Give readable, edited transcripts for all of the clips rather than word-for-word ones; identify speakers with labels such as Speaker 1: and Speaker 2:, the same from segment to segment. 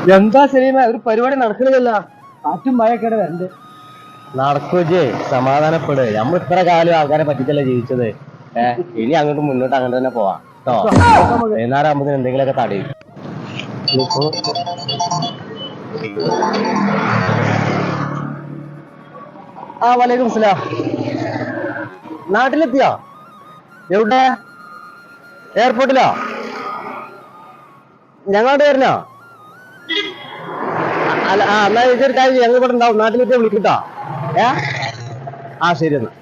Speaker 1: എന്താ സലീമ ഒരു പരിപാടി നടക്കണില്ല. കാറ്റും മഴയൊക്കെ വരണ്ട്.
Speaker 2: നടക്കൂജേ, സമാധാനപ്പെട്. നമ്മൾ ഇത്ര കാലം ആൾക്കാരെ പറ്റിച്ചല്ലേ ജീവിച്ചത്. ഇനി അങ്ങോട്ട് മുന്നോട്ട് അങ്ങനെ തന്നെ പോവാം കേട്ടോ. വൈകുന്നേരം ആകുമ്പോൾ എന്തെങ്കിലുമൊക്കെ തടയും. ആ വലൈക്കും സ്ലാം. നാട്ടിലെത്തിയോ? എവിടെ? എയർപോർട്ടിലോ? ഞങ്ങളോട് വരണോ? അല്ല, എന്നാ ഇതൊരു കാര്യം, ഞങ്ങൾ ഇവിടെ ഉണ്ടാവും. നാട്ടിലെത്തിയാ വിളിക്കട്ടോ. ആ ശരി എന്നാ.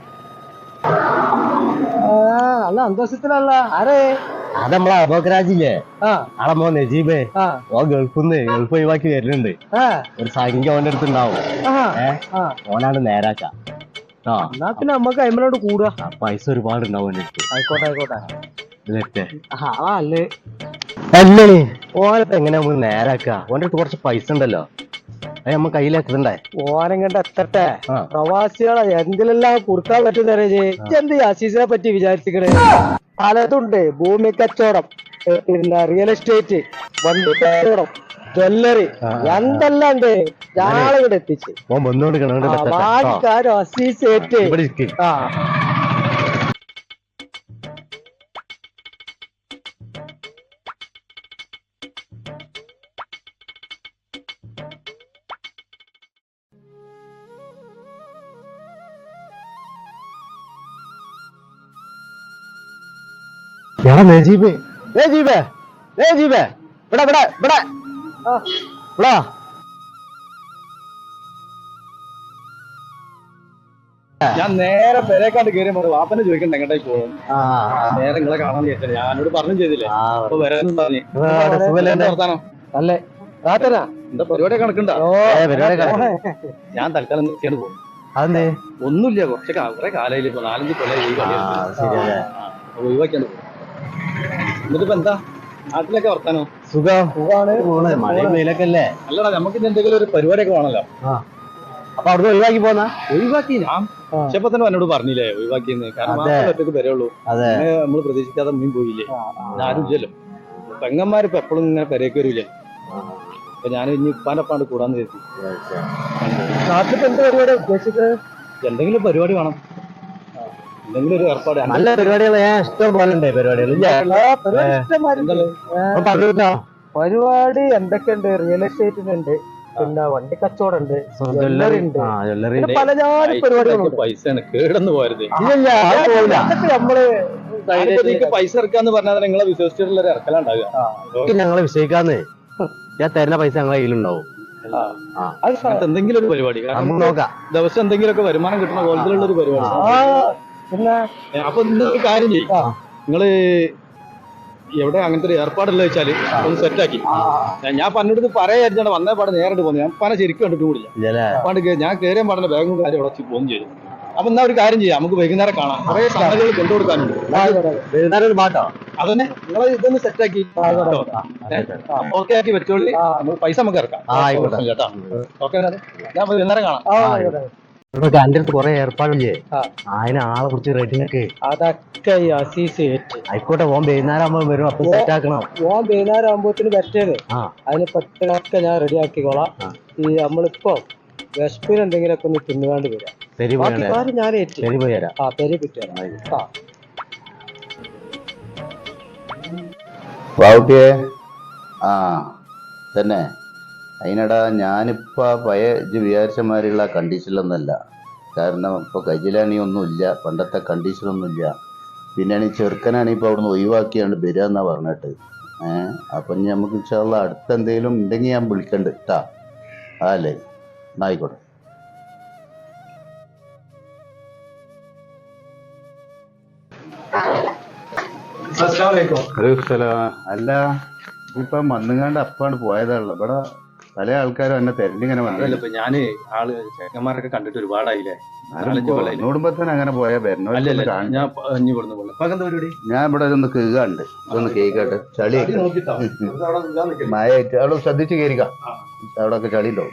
Speaker 1: നല്ല സന്തോഷത്തിലല്ല ആരേ?
Speaker 2: അത് നമ്മളെ അബോക്കരാജില്ലേ, ആളെ മോൻ നജീബേ. ഓ ഗൾഫ് ഒഴിവാക്കി വരുന്നുണ്ട്. ഒരു സംഖ്യ ഓന്റെ അടുത്തുണ്ടാവും. ഓനാണ് നേരാക്ക.
Speaker 1: എന്നാ പിന്നെ നമ്മക്ക് അയിമലോട് കൂടുക.
Speaker 2: പൈസ ഒരുപാട് ഉണ്ടാവും ഓന്റെ അടുത്ത്.
Speaker 1: ആയിക്കോട്ടെ ആയിക്കോട്ടെ.
Speaker 2: അല്ലേ അല്ലേ ഓനപ്പ എങ്ങനെയാ നമുക്ക് നേരാക്ക? ഓന്റെ അടുത്ത് കുറച്ച് പൈസ ഉണ്ടല്ലോ, അത് നമ്മ കയ്യിലെത്തണ്ടേ?
Speaker 1: ഓനം കണ്ട് എത്തട്ടെ. പ്രവാസികളെ എന്തിലെല്ലാം കൊടുക്കാൻ പറ്റുന്ന എന്ത് അസീസിനെ പറ്റി വിചാരിച്ചിക്കണേ? പലതുണ്ട്. ഭൂമി കച്ചവടം, പിന്നെ റിയൽ എസ്റ്റേറ്റ്, വണ്ടി കച്ചവടം, ജ്വല്ലറി, എന്തെല്ലാം ഉണ്ട്. ഞാളെ ഇവിടെ എത്തിച്ച് അസീസ് ഏറ്റ്.
Speaker 2: നജീബേ നജീബേ നജീബേ, ഇവിടെ ഇവിടെ ഇവിടെ ഇവിടെ.
Speaker 3: ഞാൻ നേരെ പെരേക്കാണ്ട് കയറി വാപ്പനെ ചോദിക്കണ്ട എങ്ങോട്ടേക്ക് പോകും. നേരെ നിങ്ങളെ കാണാൻ ചോദിച്ചത് ഞാനോട് പറഞ്ഞു ചെയ്തില്ലേ. അപ്പൊ വരാനും പറഞ്ഞു.
Speaker 1: അല്ലേ
Speaker 3: എന്താ പരിപാടി കണക്കുണ്ടോ? ഞാൻ തൽക്കാലം നിർത്തിയാണ് പോകും.
Speaker 2: അതെന്തേ?
Speaker 3: ഒന്നുമില്ല, കുറെ കാലയില് ഇപ്പൊ 4-5 കൊല്ലം ഒഴിവാക്കിയാണ് പോകും. എന്നിട്ടിപ്പോ എന്താ നാട്ടിലൊക്കെ വർത്താനോ?
Speaker 2: സുഖമാണ്. മഴയും വെയിലൊക്കെ അല്ലേ?
Speaker 3: അല്ലടാ, നമുക്ക് എന്തെങ്കിലും ഒരു പരിപാടിയൊക്കെ വേണല്ലോ.
Speaker 2: അപ്പൊ അവിടുന്ന് ഒഴിവാക്കി പോന്നാ?
Speaker 3: ഒഴിവാക്കി ഞാൻ പക്ഷെപ്പോ തന്നെ എന്നോട് പറഞ്ഞില്ലേ ഒഴിവാക്കിയെന്ന്. കാരണം ഒറ്റക്ക് വരെയുള്ളൂ. നമ്മള് പ്രതീക്ഷിക്കാതെ മീൻ പോയില്ലേ, ആരും ഇല്ലല്ലോ. പെങ്ങന്മാരിപ്പോ എപ്പോഴും ഇങ്ങനെ പെരേക്ക് വരൂലേ. അപ്പൊ ഞാൻ ഇനി ഉപ്പാനപ്പാണ്ട് കൂടാന്ന് കരുതി. എന്തെങ്കിലും പരിപാടി വേണം, എന്തെങ്കിലും ഒരു ഏർപ്പാട്.
Speaker 2: നല്ല പരിപാടികൾ ഇഷ്ടം പോലെ ഉണ്ട്.
Speaker 1: പരിപാടി എന്തൊക്കെയുണ്ട്? റിയൽ എസ്റ്റേറ്റിനുണ്ട്, പിന്നെ വണ്ടി കച്ചവടം ഉണ്ട്, ജ്വല്ലറി ഉണ്ട്, പലജാതി പരിപാടികളുണ്ട്.
Speaker 3: പൈസയാണ് കേടന്ന് പോയത്.
Speaker 1: നമ്മള്
Speaker 3: പൈസ ഇറക്കാന്ന് പറഞ്ഞാൽ നിങ്ങളെ വിശ്വസിച്ചിട്ടുള്ള ഒരു ഇറക്കലുണ്ടാവുക.
Speaker 2: ഞങ്ങളെ വിശ്വസിക്കാന്ന്. ഞാൻ തരുന്ന പൈസ ഞങ്ങളെ കയ്യിലുണ്ടാവും.
Speaker 3: എന്തെങ്കിലും ഒരു പരിപാടി
Speaker 2: നോക്കാം.
Speaker 3: ദിവസം എന്തെങ്കിലുമൊക്കെ വരുമാനം കിട്ടുന്ന കോലത്തിലുള്ള ഒരു പരിപാടി.
Speaker 1: പിന്നെ
Speaker 3: അപ്പൊ ഇന്നൊരു കാര്യം ചെയ്യും, നിങ്ങള് എവിടെ അങ്ങനത്തെ ഒരു ഏർപ്പാടല്ല വെച്ചാല് ഒന്ന് സെറ്റാക്കി. ഞാൻ പന്നോട് പറയാൻ വന്നേ പാടെ നേരിട്ട് പോകുന്നു. ഞാൻ പല ശരിക്കും കണ്ടിട്ട് കൂടില്ല. പണ്ട് ഞാൻ കയറിയാൻ പാടുന്ന ബാഗും കാര്യം ഉടച്ച് പോകും ചെയ്തു. അപ്പൊ എന്നാ ഒരു കാര്യം ചെയ്യാം, നമുക്ക് വൈകുന്നേരം കാണാം. കുറെ സംഗതികൾ കൊണ്ടുകൊടുക്കാനുണ്ട്. അതന്നെ നിങ്ങളെ ഇതൊന്ന് സെറ്റാക്കി ഓക്കെ ആക്കി വെച്ചോളി. പൈസ നമുക്ക് ഇറക്കാം കേട്ടോ. ഓക്കെ, ഞാൻ വൈകുന്നേരം കാണാം.
Speaker 2: എന്റെ അടുത്ത് കുറെ ഏർപ്പാടില്ലേ, അതിന് ആളെ കുറിച്ച് റേറ്റിനൊക്കെ.
Speaker 1: അതൊക്കെ ഈ അസീസ്
Speaker 2: ആയിക്കോട്ടെ. ഓൻ വൈകുന്നേരം ആകുമ്പോ വരും, അപ്പൊ സെറ്റ് ആക്കണം.
Speaker 1: ഓൻ വൈകുന്നേരം ആകുമ്പോത്തിന് പറ്റേത് അതിന് പെട്ടതൊക്കെ ഞാൻ റെഡി ആക്കിക്കോളാം. ഈ നമ്മളിപ്പോ വിശപ്പിന് എന്തെങ്കിലുമൊക്കെ ഒന്ന് തിന്നുകാണ്ട് വരാം. ഞാൻ പെരി പറ്റുക.
Speaker 4: തന്നെ അതിനടാ ഞാനിപ്പോ പഴയ വിചാരിച്ചമാരിയുള്ള കണ്ടീഷനിലൊന്നല്ല. കാരണം ഇപ്പോൾ കജിലാണി ഒന്നുമില്ല, പണ്ടത്തെ കണ്ടീഷനൊന്നുമില്ല. പിന്നെയാണെങ്കിൽ ചെറുക്കനാണെങ്കിൽ ഇപ്പോൾ അവിടുന്ന് ഒഴിവാക്കിയാണ്ട് വരിക എന്നാ പറഞ്ഞിട്ട്. അപ്പം ഇനി നമുക്ക് ഇൻഷാല്ലാ അടുത്ത എന്തെങ്കിലും ഉണ്ടെങ്കിൽ ഞാൻ വിളിക്കണ്ട് കേട്ടാ. അല്ലേ, ആയിക്കോട്ടെ. അല്ല, ഇപ്പം വന്നുകാണ്ട് അപ്പാണ് പോയതാണല്ലോ. ഇവിടെ പല ആൾക്കാരും എന്നെ തെരഞ്ഞിങ്ങനെ വന്നല്ലോ.
Speaker 3: ഇപ്പൊ ഞാന് ചേക്കന്മാരൊക്കെ കണ്ടിട്ട് ഒരുപാടായില്ലേ.
Speaker 4: കുടുംബത്തിന് അങ്ങനെ പോയാൽ വരണോ? ഞാൻ ഇവിടെ ഒന്ന് കേൾക്കാണ്ട് ഇതൊന്ന് കേൾക്കട്ടെ. ചളി മഴയായിട്ട് അവിടെ ശ്രദ്ധിച്ച് കയറിക്കാം. അവിടെ ഒക്കെ ചളി ഉണ്ടാവും.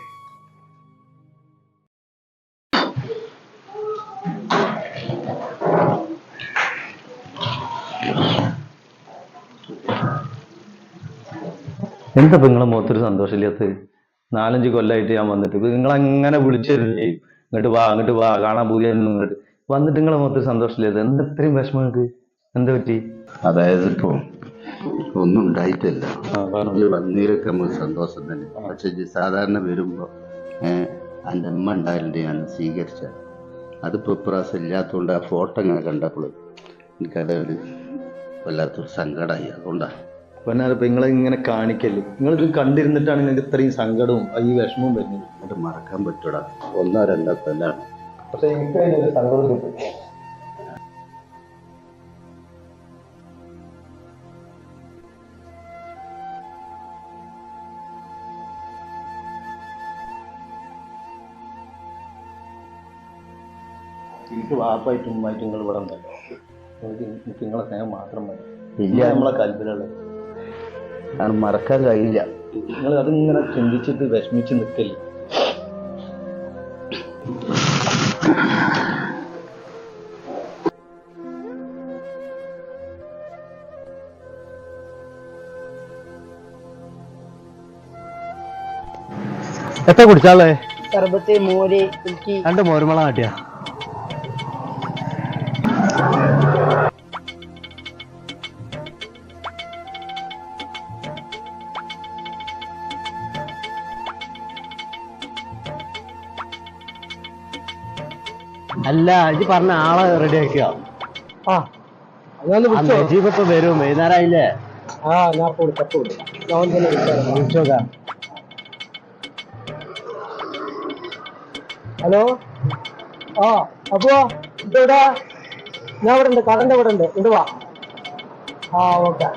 Speaker 3: എന്താ നിങ്ങളെ മുഖത്തൊരു സന്തോഷമില്ലാത്ത? 4-5 കൊല്ലമായിട്ട് ഞാൻ വന്നിട്ട് നിങ്ങളങ്ങനെ വിളിച്ചിരുന്നേ അങ്ങോട്ട് വാ കാണാൻ പൂജയൊന്നും ഇങ്ങോട്ട് വന്നിട്ട് നിങ്ങളെ മുഖത്തൊരു സന്തോഷമില്ലാത്ത എന്താ ഇത്രയും വിഷമം നിങ്ങൾക്ക്? എന്താ പറ്റി?
Speaker 4: അതായത് ഇപ്പോ ഒന്നും ഉണ്ടായിട്ടില്ല. വന്നീരൊക്കെ നമുക്ക് സന്തോഷം തന്നെ. പക്ഷെ സാധാരണ വരുമ്പോ എൻ്റെ അമ്മ ഉണ്ടായിട്ടുണ്ട്, ഞാൻ സ്വീകരിച്ച. അതിപ്പോ ഇപ്രാവശ്യം ഇല്ലാത്തതുകൊണ്ട് ആ ഫോട്ടോ ഇങ്ങനെ കണ്ടപ്പോൾ എനിക്കത് ഒരു വല്ലാത്തൊരു സങ്കടമായി. അതുകൊണ്ടാണ്
Speaker 3: പൊന്നാരപ്പ നിങ്ങളെ ഇങ്ങനെ കാണിക്കല്ലേ. നിങ്ങളിത് കണ്ടിരുന്നിട്ടാണ് നിങ്ങൾക്ക് ഇത്രയും സങ്കടവും ഈ വിഷമവും വരുന്നത്.
Speaker 4: അത് മറക്കാൻ പറ്റൂടാ. 1-2 കൊല്ലാണ്.
Speaker 3: പക്ഷെ എനിക്ക് അതിനൊരു സങ്കടം കിട്ടും. എനിക്ക് വാപ്പായിട്ടും ഉമ്മായിട്ടും നിങ്ങൾ ഇവിടെ ഉണ്ടല്ലോ. എനിക്ക് നിങ്ങളെ സ്നേഹം മാത്രം മതി. ഇല്ല നമ്മളെ കൽപ്പിലുള്ളത്
Speaker 4: അത് മറക്കാൻ കഴിയില്ല.
Speaker 3: നിങ്ങൾ അതിങ്ങനെ ചിന്തിച്ചിട്ട് വിഷമിച്ച് നിൽക്കല്ലേ.
Speaker 2: എത്ര കുടിച്ചാളേ?
Speaker 1: സർബത്ത്, മോര്, എനിക്ക്
Speaker 2: 2 മോരുമള കാട്ടിയാ. അല്ല ഇജ്ജ് പറഞ്ഞ ആളെ റെഡി ആക്കിയ. നജീബ് ഇപ്പൊ വരും, വൈകുന്നേരമായില്ലേ?
Speaker 1: ഞാൻ
Speaker 2: വിളിച്ചോക്കാം.
Speaker 1: ഹലോ, അപ്പോ ഇതെവിടാ? ഞാൻ ഇവിടെ ഉണ്ട്, കടന്റെ ഇവിടെ ഉണ്ട്, ഇങ്ങോട്ട് വാ. ഓക്കെ.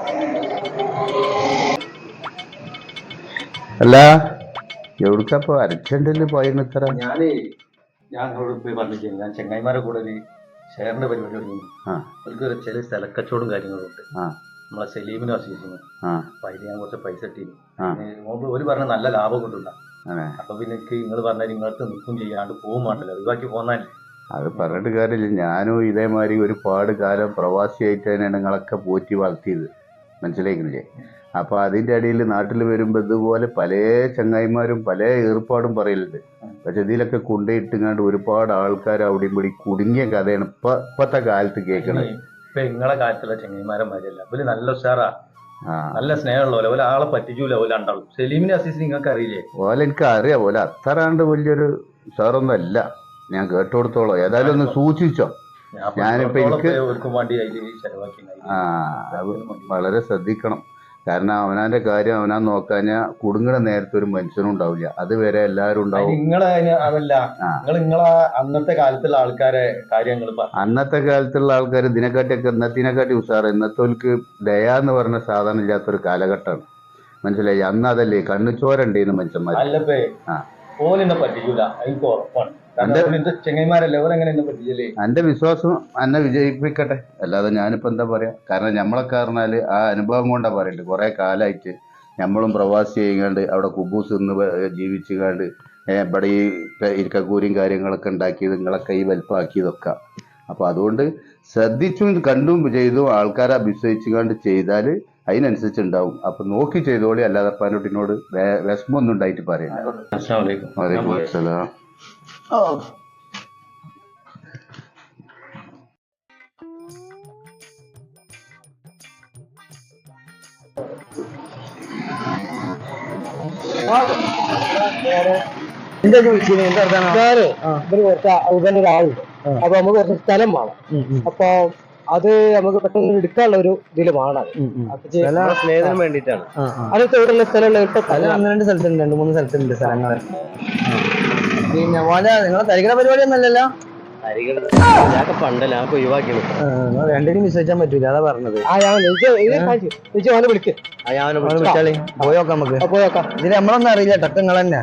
Speaker 4: അല്ല എവിടുക്കപ്പോ അരച്ചണ്ടില് പോയെന്ന് ഇത്ര?
Speaker 3: ഞാൻ നിങ്ങളോട് പോയി പറഞ്ഞില്ലേ, ഞാൻ ചെങ്ങായിമാരെ കൂടെ ഒരു ഷെയറിന്റെ പരിപാടി തുടങ്ങി. അവർക്ക് ചില സ്ഥലക്കച്ചവടവും കാര്യങ്ങളും ഉണ്ട്. നമ്മളെ സലീമിനും അസീസിനും. അപ്പൊ അതിന് ഞാൻ കുറച്ച് പൈസ ഇട്ടിരുന്നു. ഒരു പറഞ്ഞ നല്ല ലാഭം കിട്ടില്ല. അപ്പൊ പിന്നെ നിങ്ങൾ പറഞ്ഞാൽ നിങ്ങൾക്ക് നിൽക്കും ചെയ്യാണ്ട് പോകും വേണ്ടല്ലോ, ഒഴിവാക്കി പോന്നാലേ.
Speaker 4: അത് പറഞ്ഞിട്ട് കാര്യമില്ല. ഞാനും ഇതേമാതിരി ഒരുപാട് കാലം പ്രവാസിയായിട്ട് തന്നെയാണ് നിങ്ങളൊക്കെ പോറ്റി വളർത്തിയത്, മനസ്സിലാക്കുന്നില്ലേ? അപ്പൊ അതിന്റെ ഇടയിൽ നാട്ടിൽ വരുമ്പോ ഇതുപോലെ പല ചങ്ങായിമാരും പല ഏർപ്പാടും പറയലുണ്ട്. പക്ഷെ ഇതിലൊക്കെ കൊണ്ടുപോയിട്ടിങ്ങാണ്ട് ഒരുപാട് ആൾക്കാർ അവിടെയും കൂടി കുടുങ്ങിയ കഥയാണ് ഇപ്പത്തെ കാലത്ത് കേൾക്കണത്.
Speaker 3: ഇപ്പൊ നിങ്ങളെ കാലത്തുള്ള ചങ്ങായിമാരെ മാതിരിയല്ല, ഇവര് നല്ല ഉഷാറാ, നല്ല സ്നേഹമുള്ള പോലെ ആളെ പറ്റിച്ചൂല. ഓല ഉണ്ടാവും. സലീമിനെ അസീസിനെ നിങ്ങൾക്ക് അറിയില്ലേ?
Speaker 4: ഓല എനിക്ക് അറിയാം. ഓല അത്രാണ്ട് വലിയൊരു ഉഷാറൊന്നും അല്ല, ഞാൻ കേട്ടോടത്തോളം. ഏതായാലും ഒന്ന് സൂക്ഷിച്ചോ. ഞാനിപ്പോ എനിക്ക് വളരെ ശ്രദ്ധിക്കണം. കാരണം അവനാന്റെ കാര്യം അവനാൻ നോക്കാഞ്ഞാ കുടുങ്ങണ നേരത്തെ ഒരു മനുഷ്യനും ഉണ്ടാവില്ല. അതുവരെ എല്ലാവരും ഉണ്ടാവും.
Speaker 3: അന്നത്തെ കാലത്തുള്ള ആൾക്കാരെ കാര്യങ്ങൾ
Speaker 4: അന്നത്തെ കാലത്തുള്ള ആൾക്കാർ ഇതിനെക്കാട്ടിയൊക്കെ ഇന്നത്തിനെക്കാട്ടി ഉഷാറ്. ഇന്നത്തോൽക്ക് ദയ എന്ന് പറഞ്ഞ സാധനം ഇല്ലാത്തൊരു കാലഘട്ടമാണ്, മനസ്സിലായി? അന്ന് അതല്ലേ കണ്ണുചോരണ്ടേന്ന് മനുഷ്യന്മാർ.
Speaker 3: ഓലെന്നെ പറ്റിക്കൂല, എനിക്ക് ഉറപ്പാണ്.
Speaker 4: എന്റെ വിശ്വാസം എന്നെ വിജയിപ്പിക്കട്ടെ, അല്ലാതെ ഞാനിപ്പോ എന്താ പറയാ. കാരണം ഞമ്മളൊക്കെ പറഞ്ഞാല് ആ അനുഭവം കൊണ്ടാ പറയുന്നത്. കുറെ കാലമായിട്ട് നമ്മളും പ്രവാസി ചെയ്യാണ്ട് അവിടെ കുബൂസ് നിന്ന് ജീവിച്ചുകാണ്ട് ഇവിടെ ഈ ഇരിക്കക്കൂരിയും കാര്യങ്ങളൊക്കെ ഉണ്ടാക്കിയത് നിങ്ങളൊക്കെ ഈ വലിപ്പമാക്കിയതൊക്കെ. അപ്പൊ അതുകൊണ്ട് ശ്രദ്ധിച്ചും കണ്ടും ചെയ്തും ആൾക്കാരെ അഭിശ്വസിച്ചുകൊണ്ട് ചെയ്താൽ അതിനനുസരിച്ച് ഉണ്ടാവും. അപ്പൊ നോക്കി ചെയ്തോളി, അല്ലാതെ പനോട്ടിനോട് വിഷമൊന്നും ഉണ്ടായിട്ട് പറയാം. വലൈക്കും അസ്സലാം.
Speaker 1: എന്താ ചോദിച്ചത്? ഞാന് ഇവര് കുറച്ച് ഔദന്റെ ഒരാളുണ്ട്. അപ്പൊ നമുക്ക് കുറച്ച് സ്ഥലം വേണം. അപ്പൊ അത് നമുക്ക് പെട്ടെന്ന് എടുക്കാനുള്ള ഒരു ഇതില് വേണം.
Speaker 2: സ്നേഹത്തിന് വേണ്ടിട്ടാണ്.
Speaker 1: അതൊക്കെ എവിടെയുള്ള സ്ഥലമുള്ള
Speaker 2: 2 സ്ഥലത്തുണ്ട്, 2-3 സ്ഥലത്തുണ്ട് സ്ഥലങ്ങൾ. പിന്നെ പോലെ നിങ്ങളെ തരികണ പരിപാടി ഒന്നല്ലല്ലോ. ഞാനൊക്കെ പണ്ടല്ല, ഞാൻ ഒഴിവാക്കിയത്. രണ്ടിനും വിശ്വസിക്കാൻ പറ്റൂല, അതാ പറഞ്ഞത്.
Speaker 1: വിളിക്ക്.
Speaker 2: വിളിച്ചാളി പോയോക്കാം, നമുക്ക് പോയോക്കാം. ഇതിന് നമ്മളൊന്നും അറിയില്ല, ടക്ക് നിങ്ങൾ തന്നെ.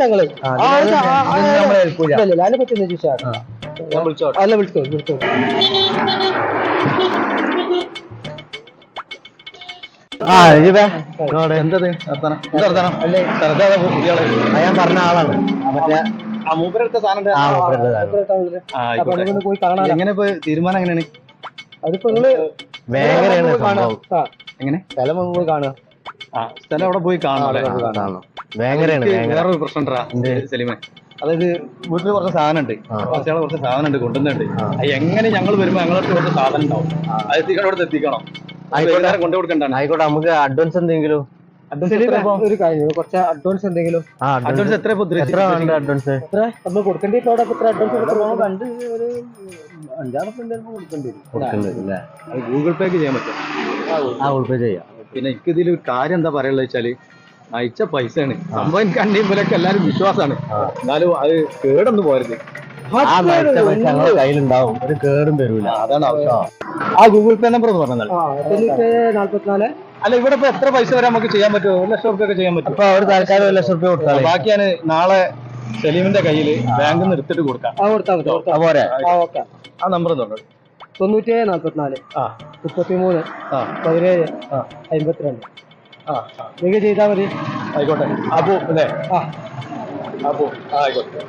Speaker 1: അതിനെ പറ്റി അല്ല വിളിച്ചോ.
Speaker 2: ഞാൻ പറഞ്ഞ ആളാണ്, മറ്റേ
Speaker 1: പോയി കാണാൻ.
Speaker 3: എങ്ങനെ തീരുമാനം എങ്ങനെയാണ്?
Speaker 1: അതിപ്പോ നിങ്ങള്
Speaker 2: ഭയങ്കര
Speaker 1: എങ്ങനെ സ്ഥലം പോയി കാണുക.
Speaker 3: സ്ഥലം അവിടെ പോയി കാണണം
Speaker 2: ഭയങ്കരമാണ്
Speaker 3: വേറൊരു പ്രശ്നം ഉണ്ടാ സലീമെ. അതായത് വീട്ടിൽ കുറച്ച് സാധനം ഉണ്ട്, പ്രവാസികളെ കുറച്ച് സാധനം ഉണ്ട്, കൊണ്ടുവന്നുണ്ട്. അത് എങ്ങനെ ഞങ്ങൾ വരുമ്പോ ഞങ്ങൾക്ക് കുറച്ച് സാധനം ഉണ്ടാവും, അത് എത്തിക്കണം എത്തിക്കണം. കൊണ്ടു കൊടുക്കണ്ടാണ്.
Speaker 2: ആയിക്കോട്ടെ, നമുക്ക് അഡ്വാൻസ് എന്തെങ്കിലും
Speaker 1: ഒരു കാര്യം, കുറച്ച് അഡ്വാൻസ് എന്തെങ്കിലും.
Speaker 3: അഡ്വാൻസ് എത്ര
Speaker 2: അഡ്വാൻസ്
Speaker 1: എത്ര നമ്മൾ കൊടുക്കേണ്ടി എത്ര അഡ്വാൻസ്
Speaker 2: കണ്ട് ഒരു 5-6 കൊടുക്കേണ്ടി വരും.
Speaker 3: അത് ഗൂഗിൾ പേക്ക് ചെയ്യാൻ പറ്റും.
Speaker 2: ഗൂഗിൾ പേ ചെയ്യാം.
Speaker 3: പിന്നെ എനിക്ക് ഇതിൽ കാര്യം എന്താ പറയുള്ളത് വെച്ചാല്, അയച്ച പൈസയാണ് സംഭവം. എനിക്ക് അന്യം പോലെയൊക്കെ എല്ലാവരും വിശ്വാസമാണ്. എന്നാലും അത് കേടൊന്നും പോരുത്.
Speaker 2: കയ്യിലുണ്ടാവും, ഒരു കേടും തരൂല.
Speaker 3: അതാണ് ആവശ്യം. ആ ഗൂഗിൾ പേ നമ്പർ ഒന്ന് പറഞ്ഞാൽ.
Speaker 1: 44.
Speaker 3: അല്ല, ഇവിടെ ഇപ്പൊ എത്ര പൈസ വരെ നമുക്ക് ചെയ്യാൻ പറ്റുമോ? 1 ലക്ഷം റുപ്യ ഒക്കെ ചെയ്യാൻ പറ്റും.
Speaker 2: അപ്പൊ ഒരു തൽക്കാലം 1 ലക്ഷം റുപ്യ കൊടുത്താൽ
Speaker 3: ബാക്കി ഞാൻ നാളെ സലീമിന്റെ കയ്യിൽ ബാങ്കിൽ നിന്ന് എടുത്തിട്ട് കൊടുക്കാം.
Speaker 2: പോരെ?
Speaker 3: ആ നമ്പർ ഒന്ന് പറഞ്ഞു.
Speaker 1: 97 44 33 17 52. നിങ്ങൾ ചെയ്താൽ മതി.
Speaker 3: ആയിക്കോട്ടെ. അപ്പോ അല്ലേ? അപ്പോ ആയിക്കോട്ടെ.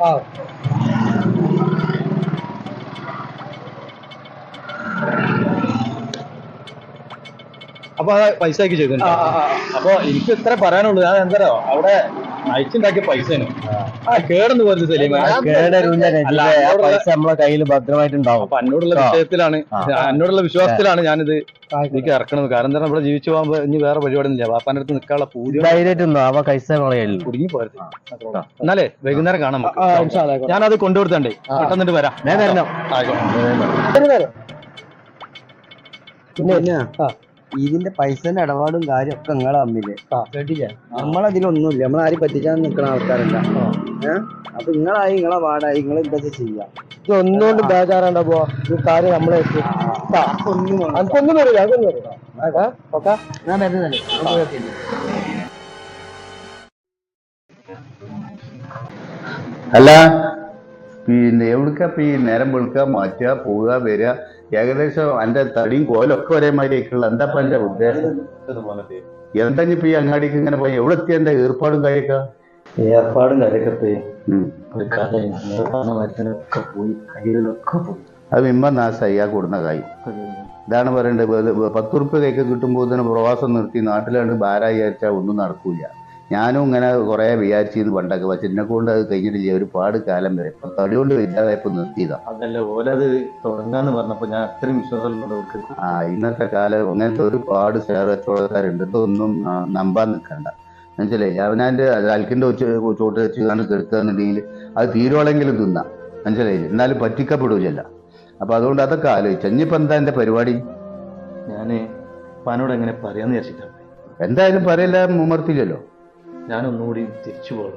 Speaker 3: അപ്പൊ ആ പൈസ ആക്കി ചെയ്തിട്ടുണ്ട്. അപ്പൊ എനിക്ക് ഇത്ര പറയാനുള്ളൂ. ഞാൻ എന്താ അവിടെ അയച്ചുണ്ടാക്കിയ പൈസയാണ്. കേടന്ന് പോയത് സലീമ.
Speaker 2: പൈസ നമ്മളെ കയ്യിൽ ഭദ്രമായിട്ടുണ്ടാവും.
Speaker 3: അപ്പൊ എന്നോടുള്ള വിഷയത്തിലാണ്, എന്നോടുള്ള വിശ്വാസത്തിലാണ് ഞാനിത് എനിക്ക് ഇറക്കണത്. കാരണം എന്താ, ഇവിടെ ജീവിച്ചു പോകുമ്പോ ഇനി വേറെ പരിപാടി ഒന്നുമില്ല. വാപ്പാന്റെ അടുത്ത് നിൽക്കാനുള്ള പൂജ കുടുങ്ങി പോയത്. എന്നാലേ വൈകുന്നേരം കാണാം. ഞാനത് കൊണ്ടുകൊടുത്തണ്ടേ, പെട്ടെന്നിട്ട് വരാം.
Speaker 2: പിന്നെ ഇതിന്റെ പൈസന്റെ ഇടപാടും കാര്യം ഒക്കെ നിങ്ങളെ തമ്മില് കേട്ടില്ലേ? നമ്മളതിലൊന്നുമില്ല, നമ്മളാരും പറ്റിച്ചാൻ നിൽക്കുന്ന ആൾക്കാരല്ല. അപ്പൊ നിങ്ങളായി നിങ്ങളെ പാടായി നിങ്ങൾ എന്താ ചെയ്യാം.
Speaker 1: ഇതൊന്നുകൊണ്ട് ബേജാറാണ്ട പോവാ. ഈ കാര്യം നമ്മളെ എനിക്കൊന്നും വരില്ല, അതൊന്നും വരില്ല. ഓക്കെ,
Speaker 2: ഞാൻ വരുന്നല്ലേ.
Speaker 4: അല്ല, പിന്നെ എവിടുക്ക ഈ നേരം വെളുക്കുക, മാറ്റുക, പോവുക, വരിക, ഏകദേശം എന്റെ തടിയും കോലൊക്കെ ഒരേമാതിരി ആയിട്ടുള്ള എന്താ എന്റെ ഉദ്ദേശം? എന്താ ഇപ്പൊ ഈ അങ്ങാടിക്ക് ഇങ്ങനെ പോയി എവിടെ എത്തിയ എന്റെ ഏർപ്പാടും കാര്യമൊക്കെ? അത് ഇമ്മ നാശമായി ആ കൊടുന്ന കായ്. ഇതാണ് പറയേണ്ടത്. 10 ഉറുപ്പ്യ കൈക്ക് കിട്ടുമ്പോൾ തന്നെ പ്രവാസം നിർത്തി നാട്ടിലാണ്ട് ഭാരായി വിചാരിച്ചാൽ ഒന്നും നടക്കൂല. ഞാനും ഇങ്ങനെ കുറെ വിചാരിച്ചിരുന്നു പണ്ടൊക്കെ, പക്ഷെ എന്നെ കൊണ്ട് അത് കഴിഞ്ഞിട്ടില്ല ഒരുപാട് കാലം വരെ. ഇപ്പൊ തടി കൊണ്ട് ഇല്ലാതായപ്പോ നിർത്തിയതാ.
Speaker 3: അതല്ല ഓലത് തുടങ്ങാന്ന് പറഞ്ഞപ്പോ ഞാൻ അത്രയും വിശ്വാസമുള്ളവർക്ക്.
Speaker 4: ഇന്നത്തെ കാലം അങ്ങനത്തെ ഒരുപാട് ഷെയർ കച്ചവടക്കാരുണ്ട്. ഇതൊന്നും നമ്പാൻ നിൽക്കണ്ട. മനസ്സിലായി? അവനാന്റെ അൽക്കിന്റെ ചോട്ട് വെച്ച് കണ്ട് കെടുക്കുകയെന്നുണ്ടെങ്കിൽ അത് തീരുവളെങ്കിലും തിന്നാം. മനസ്സിലായില്ലേ? എന്നാലും പറ്റിക്കപ്പെടൂലല്ല. അപ്പൊ അതുകൊണ്ട് അതൊക്കെ ആലോചിച്ചു. ഇനിയിപ്പോ എന്താ എന്റെ പരിപാടി?
Speaker 3: ഞാന് പനോട് എങ്ങനെ പറയാന്ന് വിചാരിച്ചിട്ടാണ്.
Speaker 4: എന്തായാലും പറയില്ല, മുമർത്തില്ലല്ലോ.
Speaker 3: ഞാനൊന്നുകൂടി തിരിച്ചു പോകും.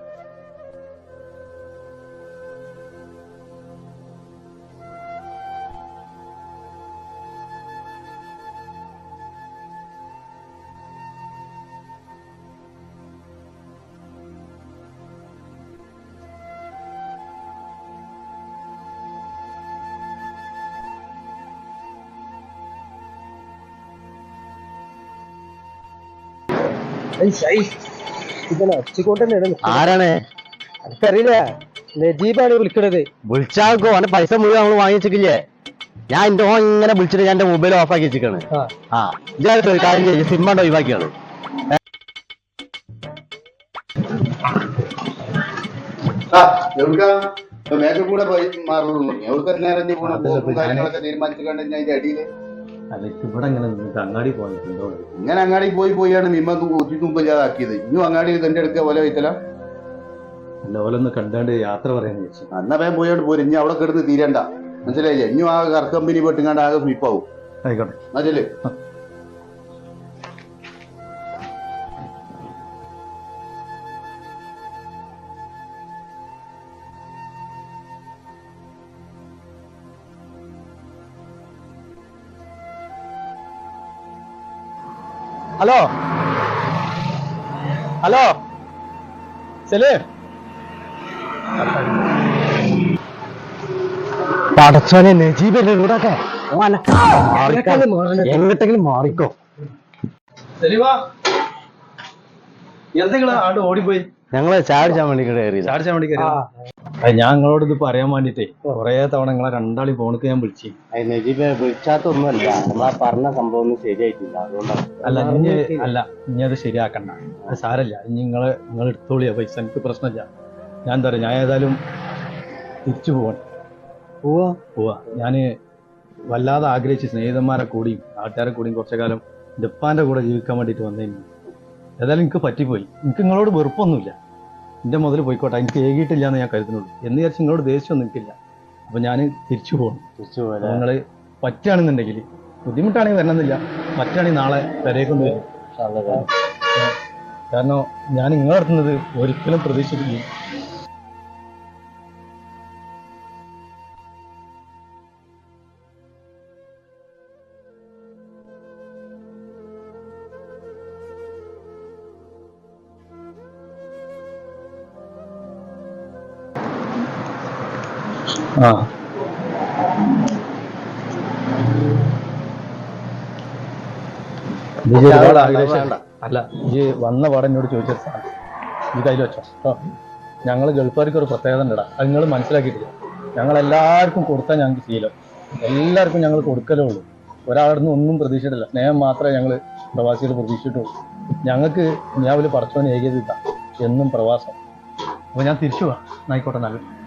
Speaker 2: ആരാണ്?
Speaker 1: എനിക്കറിയില്ല. നജീബാണ് വിളിക്കണത്.
Speaker 2: വിളിച്ചാൽക്കോ അവന്റെ പൈസ മുഴുവൻ നമ്മള് വാങ്ങിച്ചിട്ടില്ലേ? ഞാൻ എന്റെ ഫോൺ ഇങ്ങനെ വിളിച്ചിട്ട് ഞാൻ എന്റെ മൊബൈൽ ഓഫ് ആക്കി വെച്ചിട്ടാണ്. കാര്യം ചെയ്യും, സിമ്മണ്ട് ഒഴിവാക്കിയാണ്.
Speaker 4: കൂടെ പോയി മാറുള്ളൂ. തീരുമാനിച്ചിട്ടുണ്ട് അതിന്റെ അടിയില്.
Speaker 3: അല്ല, ഇവിടെ ഇങ്ങനെ അങ്ങാടി പോയിട്ടുണ്ടോ?
Speaker 4: ഇങ്ങനെ അങ്ങാടി പോയാണ് മിമ്മ ഒത്തിരി ഇനിയും അങ്ങാടി തന്റെ അടുക്ക പോലെ വയ്ക്കല.
Speaker 3: അല്ല, ഓലൊന്ന് കണ്ടാണ്ട് യാത്ര പറയാന്ന് വെച്ചു.
Speaker 4: അന്ന വേഗം പോയോണ്ട് പോരും. ഇനി അവിടെ കിടന്ന് തീരണ്ട. മനസ്സിലായില്ലേ? ഇനിയും ആ കമ്പനി പെട്ടുങ്ങാണ്ട് ആകെ ഫ്ലിപ്പാവും.
Speaker 3: ആയിക്കോട്ടെ.
Speaker 4: മനസ്സിലേ?
Speaker 3: ഹലോ ഹലോ സലീം,
Speaker 2: പടച്ചോനെ നജീബല്ലേ ഇവിടൊക്കെ? എങ്ങോട്ടെങ്കിലും മാറിക്കോ.
Speaker 3: സലീമാ, എന്തെങ്കിലും ആണ്ട് ഓടിപ്പോയി.
Speaker 2: ഞങ്ങള് ചാടിച്ചാൻ വേണ്ടി കയറി.
Speaker 3: ചാടിച്ചാൻ വേണ്ടി കയറി. ഞാൻ നിങ്ങളോട് ഇത് പറയാൻ വേണ്ടിട്ടേ കൊറേ തവണ നിങ്ങളെ രണ്ടാളി ഫോണിക്ക് ഞാൻ വിളിച്ചു.
Speaker 2: നജീബ് വിളിച്ചാത്തൊന്നുമല്ല, നമ്മളാ പറഞ്ഞ സംഭവം ഒന്നും ശരിയായിട്ടില്ല, അതുകൊണ്ടാണ്.
Speaker 3: ഇനി അത് ശരിയാക്കണ്ട, അത് സാരല്ല. ഇനി നിങ്ങൾ എടുത്തോളിയാ പൈസ, എനിക്ക് പ്രശ്നമില്ല. ഞാൻ എന്താ പറയാ, ഞാൻ ഏതായാലും തിരിച്ചു പോവാ. ഞാന് വല്ലാതെ ആഗ്രഹിച്ച് സ്നേഹിതന്മാരെ കൂടിയും നാട്ടുകാരെ കൂടിയും കുറച്ചു കാലം എൻ്റെ ഉപ്പാൻ്റെ കൂടെ ജീവിക്കാൻ വേണ്ടിയിട്ട് വന്നതിന് ഏതായാലും എനിക്ക് പറ്റിപ്പോയി. എനിക്ക് നിങ്ങളോട് വെറുപ്പൊന്നുമില്ല, എൻ്റെ മുതൽ പോയിക്കോട്ടെ, എനിക്ക് ഏകിയിട്ടില്ല എന്ന് ഞാൻ കരുതുന്നുള്ളൂ. എന്ന് വിചാരിച്ച് നിങ്ങളോട് ദേഷ്യമൊന്നും നിൽക്കില്ല. അപ്പം ഞാൻ തിരിച്ചു പോകണം. നിങ്ങൾ പറ്റുകയാണെന്നുണ്ടെങ്കിൽ, ബുദ്ധിമുട്ടാണെങ്കിൽ വരണമെന്നില്ല, പറ്റുകയാണെങ്കിൽ നാളെ പെരേക്കൊന്ന് വരും. കാരണം ഞാൻ നിങ്ങളെ നടത്തുന്നത് ഒരിക്കലും പ്രതീക്ഷിക്കില്ല. ഒരുപാട് ആഗ്രഹിച്ചല്ല. അല്ല, ഈ വന്ന പാടെ എന്നോട് ചോദിച്ചൊരു സാധനം ഈ കയ്യിൽ വെച്ചോ കേട്ടോ. ഞങ്ങൾ ഗൾഫുകാർക്ക് ഒരു പ്രത്യേകത ഉണ്ടടാ, അത് നിങ്ങൾ മനസ്സിലാക്കിയിട്ടില്ല. ഞങ്ങളെല്ലാവർക്കും കൊടുത്താൽ ഞങ്ങൾക്ക് ശീലം, എല്ലാവർക്കും ഞങ്ങൾ കൊടുക്കലേ ഉള്ളൂ. ഒരാളുടെ നിന്ന് ഒന്നും പ്രതീക്ഷിച്ചിട്ടില്ല, സ്നേഹം മാത്രമേ ഞങ്ങൾ പ്രവാസികൾ പ്രതീക്ഷിച്ചിട്ടുള്ളൂ. ഞങ്ങൾക്ക് ഞാവിൽ പടച്ചോനെ ഏകീകരിക്കാം എന്നും പ്രവാസം. അപ്പോൾ ഞാൻ തിരിച്ചു പോവാം. ആയിക്കോട്ടെ, നല്ല